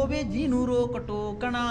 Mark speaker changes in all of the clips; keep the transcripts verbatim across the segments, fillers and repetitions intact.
Speaker 1: ਹੋਵੇ ਜਿਹਨੂੰ ਰੋਕ ਟੋਕਣਾ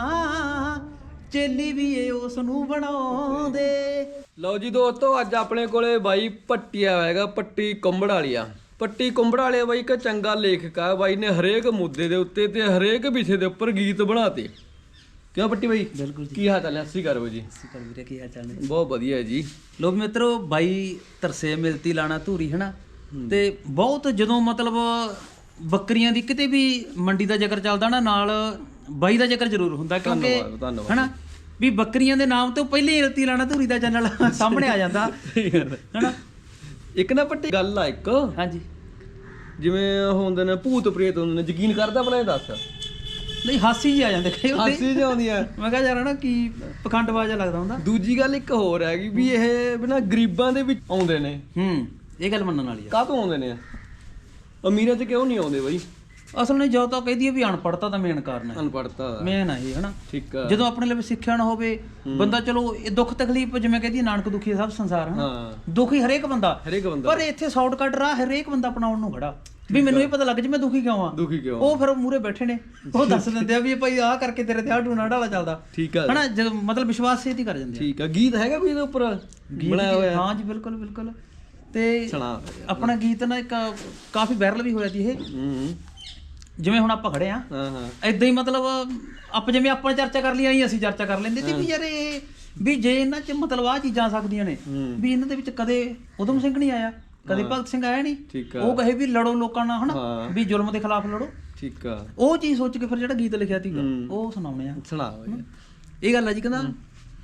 Speaker 1: ਚੇਲੀ ਵੀ ਏ ਉਸ ਨੂੰ ਬਣਾਉਂਦੇ।
Speaker 2: ਲਓ ਜੀ ਦੋਸਤੋ, ਅੱਜ ਆਪਣੇ ਕੋਲੇ ਬਾਈ ਪੱਟੀ ਆਇਆ ਹੈਗਾ, ਪੱਟੀ ਕੁੰਬੜ ਵਾਲੀਆ। ਪੱਟੀ ਕੁੰਬੜ ਵਾਲੇ ਬਾਈ ਇੱਕ ਚੰਗਾ ਲੇਖਕ ਆ ਬਾਈ ਨੇ, ਹਰੇਕ ਮੁੱਦੇ ਦੇ ਉੱਤੇ ਤੇ ਹਰੇਕ ਵਿਸ਼ੇ ਦੇ ਉੱਪਰ ਗੀਤ ਬਣਾਤੇ। ਕਿਉਂ ਪੱਟੀ ਬਾਈ?
Speaker 1: ਬਿਲਕੁਲ।
Speaker 2: ਕੀ ਹਾਲ ਚਾਲ ਹੈ? ਸਤਿ ਸ਼੍ਰੀ ਅਕਾਲ ਜੀ।
Speaker 1: ਸਤਿ ਸ਼੍ਰੀ ਅਕਾਲ ਵੀਰੇ, ਕੀ ਹਾਲ ਚਾਲ ਨੇ?
Speaker 2: ਬਹੁਤ ਵਧੀਆ ਜੀ।
Speaker 1: ਲੋਕ ਮਿੱਤਰੋ, ਬਾਈ ਤਰਸੇ ਮਿਲਤੀ ਲਾਣਾ ਧੂਰੀ ਹਨਾ, ਤੇ ਬਹੁਤ ਜਦੋਂ ਮਤਲਬ ਬੱਕਰੀਆਂ ਦੀ ਕਿਤੇ ਵੀ ਮੰਡੀ ਦਾ ਜ਼ਿਕਰ ਚੱਲਦਾ ਨਾ, ਨਾਲ ਬਾਈ ਦਾ ਜ਼ਿਕਰ ਜ਼ਰੂਰ ਹੁੰਦਾ, ਕਿਉਂਕਿ ਹਨਾ ਵੀ ਬੱਕਰੀਆਂ ਦੇ ਨਾਮ ਤੋਂ ਪਹਿਲੇ ਹੀ ਰਤੀ ਲਾਣਾ ਧੂਰੀ ਦਾ ਚੈਨਲ ਸਾਹਮਣੇ ਆ ਜਾਂਦਾ ਹਨਾ।
Speaker 2: ਇੱਕ ਨਾ ਪੱਟੀ ਗੱਲ ਆ ਇੱਕ,
Speaker 1: ਹਾਂਜੀ,
Speaker 2: ਜਿਵੇਂ ਹੁੰਦੇ ਨੇ ਭੂਤ ਪ੍ਰੇਤ ਹੁੰਦੇ ਨੇ, ਯਕੀਨ ਕਰਦਾ ਭਲਾ? ਇਹ ਦੱਸ।
Speaker 1: ਨਹੀਂ, ਹਾਸੀ ਜੀ ਆ ਜਾਂਦੇ ਕਈ ਵਾਰ,
Speaker 2: ਹਾਸੀ ਜਿਹੀ ਆਉਂਦੀ ਆ।
Speaker 1: ਮੈਂ ਕਿਹਾ ਯਾਰ ਨਾ ਕੀ ਪਖੰਡਬਾਜ਼ ਜਿਹਾ ਲੱਗਦਾ ਹੁੰਦਾ।
Speaker 2: ਦੂਜੀ ਗੱਲ ਇੱਕ ਹੋਰ ਹੈਗੀ ਵੀ ਇਹ ਬਿਨਾਂ ਗਰੀਬਾਂ ਦੇ ਵਿੱਚ ਆਉਂਦੇ ਨੇ।
Speaker 1: ਹੂੰ, ਇਹ ਗੱਲ ਮੰਨਣ ਵਾਲੀ ਆ।
Speaker 2: ਕਾਹਤੋਂ ਆਉਂਦੇ ਨੇ? ਅਮੀਰਾਂ 'ਚ ਕਿਉਂ ਨਹੀਂ ਆਉਂਦੇ ਬਾਈ?
Speaker 1: ਅਸਲ ਨੇ ਜੋ ਤਾਂ ਕਹਦੀ ਹੈ ਵੀ ਅਨਪੜ੍ਹਤਾ ਦਾ ਮੇਨ ਕਾਰਨ ਹੈ,
Speaker 2: ਅਨਪੜ੍ਹਤਾ
Speaker 1: ਮੇਨ ਹੈ ਇਹ ਹਨਾ।
Speaker 2: ਠੀਕ ਆ।
Speaker 1: ਜਦੋਂ ਆਪਣੇ ਲਈ ਸਿੱਖਿਆ ਨਾ ਹੋਵੇ ਬੰਦਾ, ਚਲੋ ਇਹ ਦੁੱਖ ਤਕਲੀਫ ਜਿਵੇਂ ਕਹਦੀ ਨਾਨਕ ਦੁਖੀ ਸਭ ਸੰਸਾਰ ਹਨਾ, ਦੁਖੀ ਹਰੇਕ ਬੰਦਾ,
Speaker 2: ਹਰੇਕ ਬੰਦਾ।
Speaker 1: ਪਰ ਇੱਥੇ ਸ਼ਾਰਟਕਟ ਰਾਹ ਹਰੇਕ ਬੰਦਾ ਅਪਣਾਉਣ ਨੂੰ ਖੜਾ ਵੀ ਮੈਨੂੰ ਇਹ ਪਤਾ ਲੱਗ ਜੇ ਮੈਂ ਦੁਖੀ ਕਿਉਂ ਆ।
Speaker 2: ਦੁਖੀ ਕਿਉਂ?
Speaker 1: ਉਹ ਫਿਰ ਮੂਰੇ ਬੈਠੇ ਨੇ, ਉਹ ਦੱਸ ਦਿੰਦੇ ਆ ਵੀ ਭਾਈ ਆਹ ਕਰਕੇ ਤੇਰੇ ਤੇ ਆਹ ਟੂਣਾ ਢਾਲਾ ਚੱਲਦਾ।
Speaker 2: ਠੀਕ ਆ
Speaker 1: ਹਨਾ, ਜਦੋਂ ਮਤਲਬ ਵਿਸ਼ਵਾਸ ਛੇਤੀ ਕਰ ਜਾਂਦੇ ਆ।
Speaker 2: ਠੀਕ ਆ। ਗੀਤ ਹੈਗਾ ਕੋਈ ਇਹਦੇ ਉੱਪਰ ਬਣਾਇਆ ਹੋਇਆ?
Speaker 1: ਹਾਂ ਜੀ, ਬਿਲਕੁਲ ਬਿਲਕੁਲ। ਤੇ
Speaker 2: ਸੁਣਾ।
Speaker 1: ਆਪਣਾ ਗੀਤ ਨਾ ਇੱਕ ਕਾਫੀ ਵਾਇਰਲ ਵੀ ਹੋਇਆ ਜੀ ਇਹ,
Speaker 2: ਹੂੰ।
Speaker 1: ਜਿਵੇਂ ਹੁਣ ਆਪਾਂ ਖੜੇ ਆ,
Speaker 2: ਹਾਂ ਹਾਂ,
Speaker 1: ਏਦਾਂ ਹੀ ਮਤਲਬ ਆਪਾਂ ਜਿਵੇਂ ਆਪਾਂ ਚਰਚਾ ਕਰ ਲਈ ਆਈ, ਅਸੀਂ ਚਰਚਾ ਕਰ ਲੈਂਦੇ ਤੇ ਵੀ ਯਾਰ ਇਹ ਵੀ ਜੇ ਇਹਨਾਂ 'ਚ ਮਤਲਬ ਆਹ ਚੀਜ਼ਾਂ ਆ ਸਕਦੀਆਂ ਨੇ, ਵੀ ਇਹਨਾਂ ਦੇ ਵਿੱਚ ਕਦੇ ਉਦਮ ਸਿੰਘ ਨਹੀਂ ਆਇਆ, ਕਦੇ ਭਗਤ ਸਿੰਘ ਆਇਆ ਨਹੀਂ।
Speaker 2: ਠੀਕ ਆ।
Speaker 1: ਉਹ ਕਹੇ ਵੀ ਲੜੋ ਲੋਕਾਂ ਨਾਲ ਹਨਾ, ਵੀ ਜ਼ੁਲਮ ਦੇ ਖਿਲਾਫ ਲੜੋ।
Speaker 2: ਠੀਕ ਆ।
Speaker 1: ਉਹ ਚੀਜ਼ ਸੋਚ ਕੇ ਫਿਰ ਜਿਹੜਾ ਗੀਤ ਲਿਖਿਆ ਸੀਗਾ ਉਹ ਸੁਣਾਉਣੇ ਆ।
Speaker 2: ਸੁਣਾ ਬਾਈ।
Speaker 1: ਇਹ ਗੱਲ ਆ ਜੀ, ਕਹਿੰਦਾ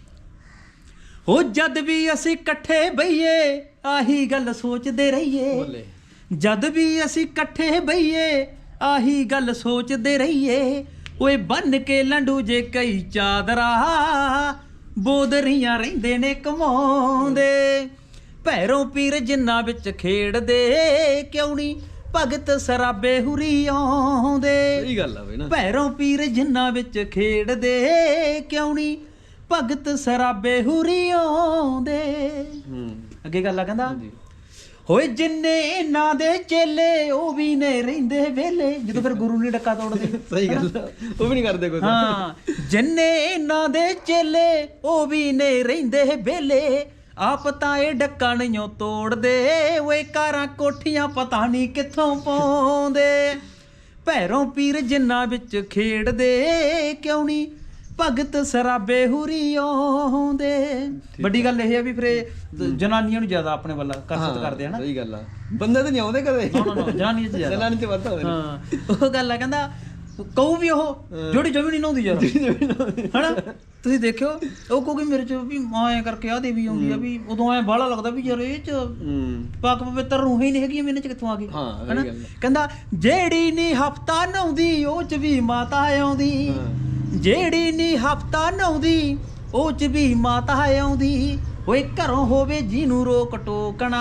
Speaker 1: ਹੋ ਜਦ ਵੀ ਅਸੀਂ ਇਕੱਠੇ ਬਈਏ ਆਹੀ ਗੱਲ ਸੋਚਦੇ ਰਹੀਏ,
Speaker 2: ਬੋਲੇ।
Speaker 1: ਜਦ ਵੀ ਅਸੀਂ ਇਕੱਠੇ ਬਈਏ ਆਹੀ ਗੱਲ ਸੋਚਦੇ ਰਹੀਏ, ਓਏ ਬੰਨ ਕੇ ਲੰਡੂ ਜੇ ਕਈ ਚਾਦਰਾ ਬੋਦਰੀਆਂ ਰਹਿੰਦੇ ਨੇ ਕਮਾਉਂਦੇ, ਭੈਰੋਂ ਪੀਰ ਜਿੰਨਾ ਵਿੱਚ ਖੇਡਦੇ ਕਿਉਂ ਨਹੀਂ ਭਗਤ ਸਰਾਬੇ ਹੁਰੀ ਆਉਂਦੇ।
Speaker 2: ਸਹੀ ਗੱਲ ਆ ਬਈ ਨਾ।
Speaker 1: ਭੈਰੋਂ ਪੀਰ ਜਿੰਨਾ ਵਿੱਚ ਖੇਡਦੇ ਕਿਉਂ ਨਹੀਂ ਭਗਤ ਸਰਾਬੇ ਹੁਰੀ ਆਉਂਦੇ।
Speaker 2: ਹੂੰ।
Speaker 1: ਅੱਗੇ ਗੱਲ ਆ, ਕਹਿੰਦਾ ਹੋਏ ਜਿੰਨੇ ਇਹਨਾਂ ਦੇ ਚੇਲੇ ਉਹ ਵੀ ਨੇ ਰਹਿੰਦੇ ਵੇਲੇ, ਜਦੋਂ ਫਿਰ ਗੁਰੂ ਨਹੀਂ ਡੱਕਾ ਤੋੜਦੇ।
Speaker 2: ਸਹੀ ਗੱਲ ਆ, ਉਹ ਵੀ ਨਹੀਂ ਕਰਦੇ ਕੁਝ।
Speaker 1: ਹਾਂ, ਜਿੰਨੇ ਇਹਨਾਂ ਦੇ ਚੇਲੇ ਉਹ ਵੀ ਨੇ ਰਹਿੰਦੇ ਵੇਲੇ, ਆਪ ਤਾਂ ਇਹ ਡੱਕਾ ਨਹੀਂ ਤੋੜਦੇ, ਓਏ ਕਾਰਾਂ ਕੋਠੀਆਂ ਪਤਾ ਨਹੀਂ ਕਿੱਥੋਂ ਪਾਉਂਦੇ, ਭੈਰੋਂ ਪੀਰ ਜਿੰਨਾ ਵਿੱਚ ਖੇਡਦੇ ਕਿਉਂ ਨਹੀਂ ਭਗਤ ਸਰਾਬੇ ਹੁਰੀ ਆਉਂਦੇ। ਵੱਡੀ ਗੱਲ ਇਹ ਹੈ ਵੀ ਫਿਰ ਜਨਾਨੀਆਂ ਨੂੰ ਜ਼ਿਆਦਾ ਆਪਣੇ ਵੱਲ ਕਸਰਤ ਕਰਦੇ ਆ ਨਾ।
Speaker 2: ਸਹੀ ਗੱਲ ਆ, ਬੰਦੇ ਤਾਂ ਨਹੀਂ ਆਉਂਦੇ ਕਦੇ।
Speaker 1: ਨਾ ਨਾ, ਜਨਾਨੀਆਂ 'ਚ ਜ਼ਿਆਦਾ,
Speaker 2: ਜਨਾਨੀ 'ਚ ਵੱਧ ਆਉਂਦੇ ਨੇ।
Speaker 1: ਹਾਂ, ਉਹ ਗੱਲ ਆ, ਕਹਿੰਦਾ ਕਹੂ ਵੀ ਉਹ ਜਿਹੜੀ ਜਮੀ ਨਹੀਂ ਨਹਾਉਂਦੀ ਯਾਰ ਹਨਾ। ਤੁਸੀਂ ਦੇਖਿਓ ਉਹ ਕਹੂਗੀ ਮੇਰੇ 'ਚ ਵੀ ਐਂ ਕਰਕੇ ਆਹ ਦੇਵੀ ਆਉਂਦੀ ਆ, ਵੀ ਉਦੋਂ ਐਂ ਬਾਹਲਾ ਲੱਗਦਾ ਵੀ ਯਾਰ ਇਹ 'ਚ ਪਾਕ ਪਵਿੱਤਰ ਰੂਹਾਂ ਹੀ ਨਹੀਂ ਹੈਗੀਆਂ, ਇਹਨਾਂ 'ਚ ਕਿੱਥੋਂ ਆ ਗਈ ਹਨਾ। ਕਹਿੰਦਾ ਜਿਹੜੀ ਨਹੀਂ ਹਫਤਾ ਨਹਾਉਂਦੀ ਉਹ 'ਚ ਵੀ ਮਾਤਾ ਆਉਂਦੀ, ਜਿਹੜੀ ਨੀ ਹਫਤਾ ਨਹਾਉਂਦੀ ਉਹ 'ਚ ਵੀ ਮਾਤਾ ਆਉਂਦੀ, ਓਏ ਘਰੋਂ ਹੋਵੇ ਜਿਹਨੂੰ ਰੋਕ ਟੋਕਣਾ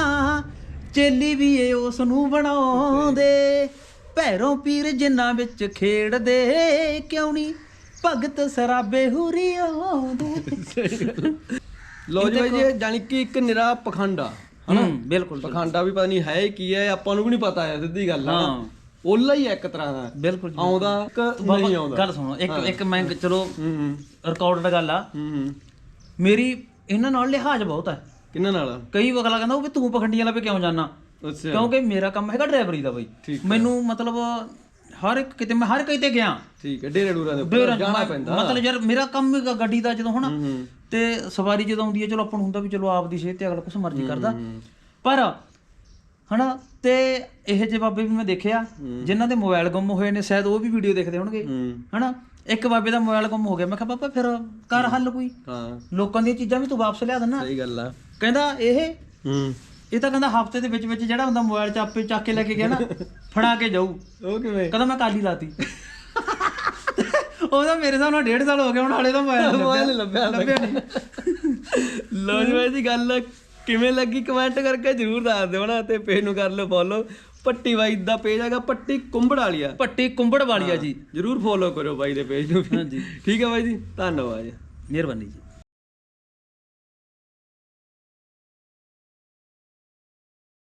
Speaker 1: ਚੇਲੀ ਵੀ ਏ ਉਸ ਨੂੰ ਬਣਾਉਂਦੇ, ਭੈਰੋਂ ਪੀਰ ਜਿੰਨਾ ਵਿੱਚ ਖੇਡਦੇ ਕਿਉਂ ਨਹੀਂ ਭਗਤ ਸਰਾਬੇ ਹੁਰੀ ਆਉਂਦੇ।
Speaker 2: ਲੋ ਜੀ ਬਾਈ ਜੀ, ਜਾਨੀ ਕਿ ਇੱਕ ਨਿਰਾ ਪਖੰਡਾ ਹਨਾ।
Speaker 1: ਬਿਲਕੁਲ,
Speaker 2: ਪਖੰਡਾ ਵੀ ਪਤਾ ਨਹੀਂ ਹੈ ਕੀ ਹੈ, ਆਪਾਂ ਨੂੰ ਵੀ ਨਹੀਂ ਪਤਾ ਹੈ, ਸਿੱਧੀ ਗੱਲ ਆ। ਓਲਾ ਹੀ ਹੈ ਇੱਕ ਤਰ੍ਹਾਂ ਦਾ।
Speaker 1: ਬਿਲਕੁਲ
Speaker 2: ਆਉਂਦਾ ਕਿ ਨਹੀਂ ਆਉਂਦਾ।
Speaker 1: ਗੱਲ ਸੁਣੋ, ਇੱਕ ਇੱਕ ਮੈਂ ਚਲੋ ਰਿਕਾਰਡਡ ਗੱਲ ਆ,
Speaker 2: ਹੂੰ।
Speaker 1: ਮੇਰੀ ਇਹਨਾਂ ਨਾਲ ਲਿਹਾਜ਼ ਬਹੁਤ ਹੈ।
Speaker 2: ਕਿਹਨਾਂ ਨਾਲ?
Speaker 1: ਕਈ ਅਗਲਾ ਕਹਿੰਦਾ ਉਹ ਵੀ ਤੂੰ ਪਖੰਡੀਆਂ ਲੱਭੇ ਕਿਉਂ ਜਾਣਾ,
Speaker 2: ਅੱਛਾ।
Speaker 1: ਕਿਉਂਕਿ ਮੇਰਾ ਕੰਮ ਹੈਗਾ ਡਰਾਈਵਰੀ ਦਾ ਬਾਈ। ਮੈਨੂੰ ਮਤਲਬ ਹਰ ਇੱਕ ਕਿਤੇ ਮੈਂ ਹਰ ਕਿਤੇ ਗਿਆ।
Speaker 2: ਠੀਕ ਹੈ, ਡੇਰੇ ਡੂਰਾਂ ਦੇ ਉੱਪਰ ਜਾਣਾ ਪੈਂਦਾ।
Speaker 1: ਮਤਲਬ ਯਾਰ ਮੇਰਾ ਕੰਮ ਹੈਗਾ ਗੱਡੀ ਦਾ, ਜਦੋਂ ਹਨਾ ਤੇ ਸਵਾਰੀ ਜਦੋਂ ਆਉਂਦੀ ਹੈ, ਚਲੋ ਆਪਾਂ ਨੂੰ ਹੁੰਦਾ ਵੀ ਚਲੋ ਆਪ ਦੀ ਸਿਹਤ ਤੇ ਅਗਲਾ ਕੁਛ ਮਰਜ਼ੀ ਕਰਦਾ, ਪਰ ਹਨਾ ਤੇ ਇਹ ਜਿਹੇ ਬਾਬੇ ਵੀ ਮੈਂ ਦੇਖਿਆ ਜਿਨ੍ਹਾਂ ਦੇ ਮੋਬਾਈਲ ਗੁੰਮ ਹੋਏ ਨੇ, ਸ਼ਾਇਦ ਉਹ ਵੀ ਵੀਡੀਓ ਦੇਖਦੇ ਹੋਣਗੇ ਹਨਾ। ਇੱਕ ਬਾਬੇ ਦਾ ਮੋਬਾਈਲ ਗੁੰਮ ਹੋ ਗਿਆ, ਮੈਂ ਕਿਹਾ ਬਾਬਾ ਫਿਰ ਕਰ ਹੱਲ ਕੋਈ, ਲੋਕਾਂ ਦੀਆਂ ਚੀਜ਼ਾਂ ਵੀ ਤੂੰ ਵਾਪਸ ਲਿਆ ਦੇਣਾ।
Speaker 2: ਸਹੀ ਗੱਲ ਆ।
Speaker 1: ਕਹਿੰਦਾ ਇਹ
Speaker 2: ਹੂੰ
Speaker 1: ਇਹ ਤਾਂ ਕਹਿੰਦਾ ਹਫਤੇ ਦੇ ਵਿੱਚ ਵਿੱਚ ਜਿਹੜਾ ਹੁੰਦਾ ਮੋਬਾਈਲ ਚਾਪੇ ਚੱਕ ਕੇ ਲੈ ਕੇ ਗਿਆ ਨਾ ਫੜਾ ਕੇ ਜਾਊ।
Speaker 2: ਉਹ ਕਿਵੇਂ?
Speaker 1: ਕਹਿੰਦਾ ਮੈਂ ਕਾਲੀ ਲਾਤੀ। ਉਹਦਾ ਮੇਰੇ ਹਿਸਾਬ ਨਾਲ ਡੇਢ ਸਾਲ ਹੋ ਗਿਆ ਹੁਣ, ਹਾਲੇ ਤਾਂ ਮੋਬਾਈਲ
Speaker 2: ਮੋਬਾਈਲ ਲੱਭਿਆ ਲੱਭਿਆ ਨਹੀਂ। ਲੋ ਜੀ ਬਾਈ ਜੀ, ਗੱਲ ਕਿਵੇਂ ਲੱਗੀ ਕਮੈਂਟ ਕਰਕੇ ਜ਼ਰੂਰ ਦੱਸ ਦਿਓ ਨਾ, ਤੇ ਪੇਜ ਨੂੰ ਕਰ ਲਓ ਫੋਲੋ। ਪੱਟੀ ਬਾਈ ਦਾ ਪੇਜ ਹੈਗਾ ਪੱਟੀ ਕੁੰਬੜ ਵਾਲੀਆ,
Speaker 1: ਪੱਟੀ ਕੁੰਬੜ ਵਾਲੀਆ ਜੀ,
Speaker 2: ਜ਼ਰੂਰ ਫੋਲੋ ਕਰੋ ਬਾਈ ਦੇ ਪੇਜ ਨੂੰ। ਹਾਂਜੀ ਠੀਕ ਹੈ ਬਾਈ ਜੀ, ਧੰਨਵਾਦ,
Speaker 1: ਮਿਹਰਬਾਨੀ ਜੀ।